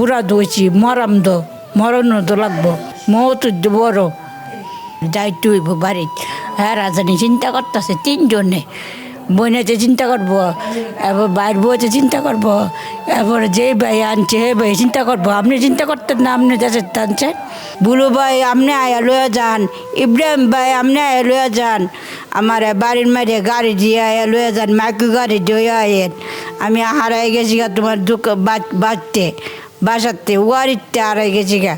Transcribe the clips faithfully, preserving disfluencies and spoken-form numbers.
বুড়া দইছি মরাম দো মরণ তো লাগবো মত বড় যাইতে হইব বাড়িত হ্যাঁ রাজানি চিন্তা করতেছে তিনজনে বইনেতে চিন্তা করবো এবার বাইর বইতে চিন্তা করবো এবার যে ভাই আনছে হে ভাই চিন্তা করবো আপনি চিন্তা করতেন না আপনি দেশের টানছেন বুলু ভাই আপনি আয়া লইয়া যান ইব্রাহিম ভাই আপনি আয়া লইয়া যান আমার বাড়ির মাঝে গাড়ি দিয়ে আয়া লইয়া যান মাইকু গাড়ি দিয়ে আয়েন আমি হারাই গেছি গা তোমার দুঃখ বাঁচতে বাসাতে ওয়ারিতে হারাই গেছি গা।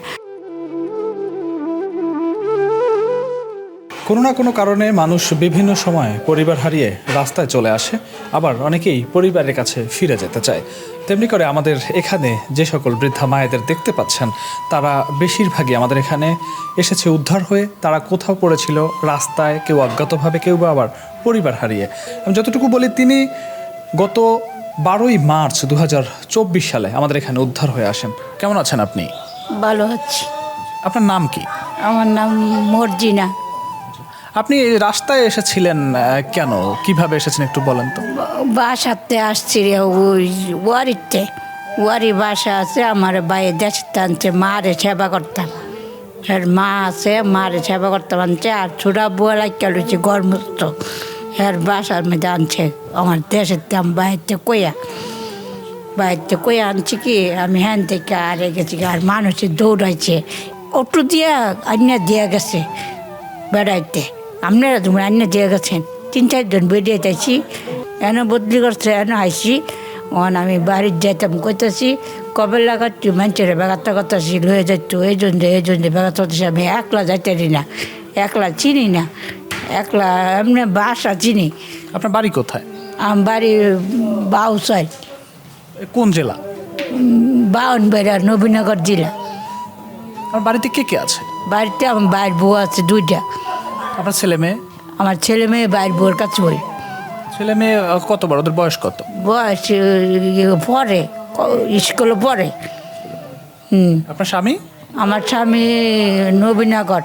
কোনো না কোনো কারণে মানুষ বিভিন্ন সময় পরিবার হারিয়ে রাস্তায় চলে আসে, আবার অনেকেই পরিবারের কাছে ফিরে যেতে চায়। তেমনি করে আমাদের এখানে যে সকল বৃদ্ধা মায়েদের দেখতে পাচ্ছেন তারা বেশিরভাগই আমাদের এখানে এসেছে উদ্ধার হয়ে। তারা কোথাও পড়েছিল রাস্তায়, কেউ অজ্ঞাতভাবে, কেউ বা আবার পরিবার হারিয়ে। আমি যতটুকু বলি তিনি গত বারোই মার্চ দু হাজার চব্বিশ সালে আমাদের এখানে উদ্ধার হয়ে আসেন। কেমন আছেন আপনি? ভালো হচ্ছে। আপনার নাম কি? আমার নাম মর্জিনা। আপনি রাস্তায় এসেছিলেন কেন, কিভাবে এসেছেন একটু বলেন তো। বাসাতে আসছি রে ওই ওয়ারিতে ওয়ারি বাসা আছে আমার বাইরে দেশে টানছে মারে সেবা করতাম আর মা আছে মারে সেবা করতাম আনছে আর ছোটা বুয়া লাগিয়ে লুচি গরমস্ত আর বাসার মধ্যে আনছে আমার দেশের দাম বাইরতে কইয়া বাইরতে কইয়া আনছি কি আমি হ্যান থেকে আরে গেছি আর মানুষের দৌড়াইছে অটো দিয়া আন্যা দিয়া গেছে বেড়াইতে আপনারা তোমরা আন্যা দিয়ে গেছেন তিন চারজন বেরিয়ে যাইছি এন বদলি করছে এন আইসি অন আমি বাড়ির যাইতাম করতেছি কবে লাগাচ্ছি মানুষের বেগাতে করতেছি লয়ে যাইতো এই জন্য এই জন্য বেগাতে করতেছি আমি একলা যাইতে না একলা চিনি না একলা এমনি বাসা চিনি। আপনার বাড়ি কোথায়? আমার বাড়ি বাউসাই। কোন জেলা? বাউনবাড়িয়া নবীনগর জেলা। আমার বাড়িতে কে কে আছে? বাড়িতে আমার বাইর বউ আছে দুইটা। আপনার ছেলে মেয়ে? আমার ছেলে মেয়ে বাইর বউর কাছে বই। ছেলে মেয়ে কত বড়, ওদের বয়স কত? বয়স পরে স্কুলে পড়ে। হুম। আপনার স্বামী? আমার স্বামী নবীনগর।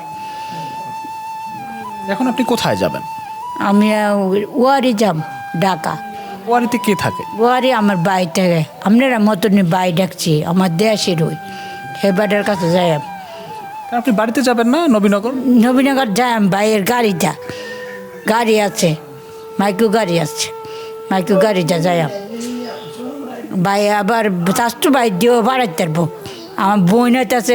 এখন আপনি কোথায় যাবেন? আমি ওয়ারি যাম ঢাকা। ওয়ারিতে কে থাকে? ওয়ারি আমার বাই থাকে আপনারা মতনই বাই ডাকছি আমার দেশের ওই হেবাটার কাছে যাই। আপনি বাড়িতে যাবেন না নবীনগর? নবীনগর যাই বাইয়ের গাড়িটা গাড়ি আছে মাইকু গাড়ি আছে মাইকু গাড়িটা যাই ভাই আবার চাষটু ভাই দিয়েও বাড়াইতে পারবো। আমার বইনাতে আছে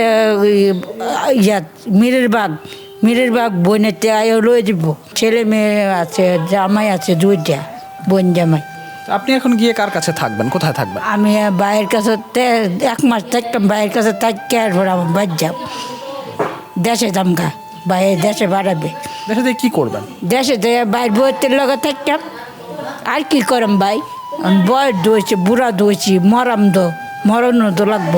ইয়াত মিরের বাগ মিরের বাগ বইনাতে আয়ও লয়ে দিব। ছেলে মেয়ে আছে জামাই আছে দুইটা বোন জামাই। আপনি এখন গিয়ে কার কাছে থাকবেন, কোথায় থাকবেন? আমি ভাইয়ের কাছে এক মাস থাকতাম ভাইয়ের কাছে থাকি আর পর আমার বাদ যাব দেশে দামকা ভাই দেশে বাড়াবে। দেশে দিয়ে কী করবেন? দেশে দিয়ে বাইর বইয়ের লগে থাকতাম আর কি করম ভাই আমি বয়স ধুয়েছি বুড়া ধুয়েছি মরাম দো মরণ তো লাগবো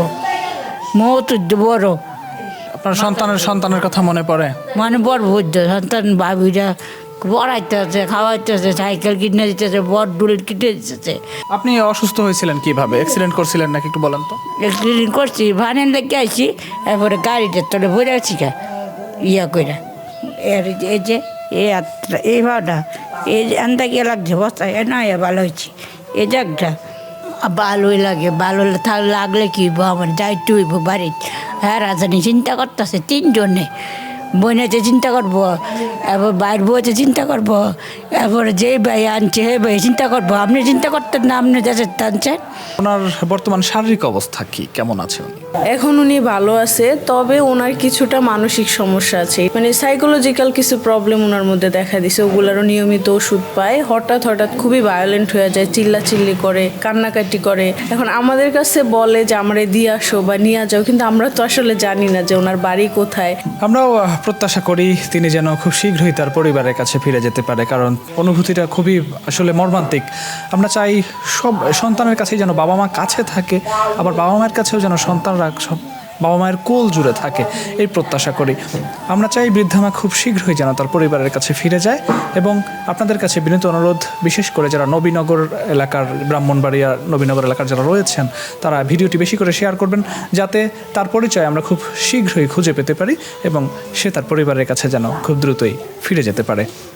মত বড়। আপনার সন্তানের সন্তানের কথা মনে পড়ে? মানে বড় বুঝতে সন্তান ভাবিরা পড়াইতে আছে খাওয়াইতে আছে সাইকেল কিনে দিতেছে বড় ডুল কিনে দিতেছে। আপনি অসুস্থ হয়েছিলেন কিভাবে, অ্যাক্সিডেন্ট করছিলেন নাকি একটু বলেন তো। অ্যাক্সিডেন্ট করছি ভানের লেগে আইছি এরপরে গাড়িটা তোলে বলে আছি কা ইয়া করে এর এই যে এই যাত্রা এই ভাড়া এই যে আন্দা গিয়ে লাগছে বস্তা এ না ভালো হয়েছি এই জায়গাটা ভালোই লাগে ভালো লাগলে কি আমার যাইতে হইব বাড়ির হ্যাঁ রাজানি চিন্তা করতেছে তিনজনে বইনেতে চিন্তা করবো এবার বাইর বইতে চিন্তা করবো এবার যে ভাই আনছে হে ভাই চিন্তা করবো আপনি চিন্তা করতেন না আপনি দেশের টানছেন। ওনার বর্তমান শারীরিক অবস্থা কি, কেমন আছে উনি? এখন উনি ভালো আছে, তবে ওনার কিছুটা মানসিক সমস্যা আছে, মানে সাইকোলজিক্যাল কিছু প্রবলেম ওনার মধ্যে দেখা দিছে। ওগুলারও নিয়মিত ওষুধ পায়। হঠাৎ হঠাৎ খুবই ভায়োলেন্ট হয়ে যায়, চিল্লা চিল্লি করে, কান্নাকাটি করে। এখন আমাদের কাছে বলে যে আমরা দিয়ে আসো বা নিয়ে যাও, কিন্তু আমরা তো আসলে জানি না যে ওনার বাড়ি কোথায়। আমরাও প্রত্যাশা করি তিনি যেন খুব শীঘ্রই তার পরিবারের কাছে ফিরে যেতে পারে, কারণ অনুভূতিটা খুবই আসলে মর্মান্তিক। আমরা চাই সব সন্তানের কাছেই যেন বাবা মা কাছে থাকে, আবার বাবা মায়ের কাছেও যেন সন্তানরা সব বাবা মায়ের কোল জুড়ে থাকে, এই প্রত্যাশা করি। আমরা চাই বৃদ্ধা মা খুব শীঘ্রই যেন তার পরিবারের কাছে ফিরে যায়। এবং আপনাদের কাছে বিনীত অনুরোধ, বিশেষ করে যারা নবীনগর এলাকার, ব্রাহ্মণবাড়িয়া নবীনগর এলাকার যারা রয়েছেন, তারা ভিডিওটি বেশি করে শেয়ার করবেন, যাতে তার পরিচয় আমরা খুব শীঘ্রই খুঁজে পেতে পারি এবং সে তার পরিবারের কাছে যেন খুব দ্রুতই ফিরে যেতে পারে।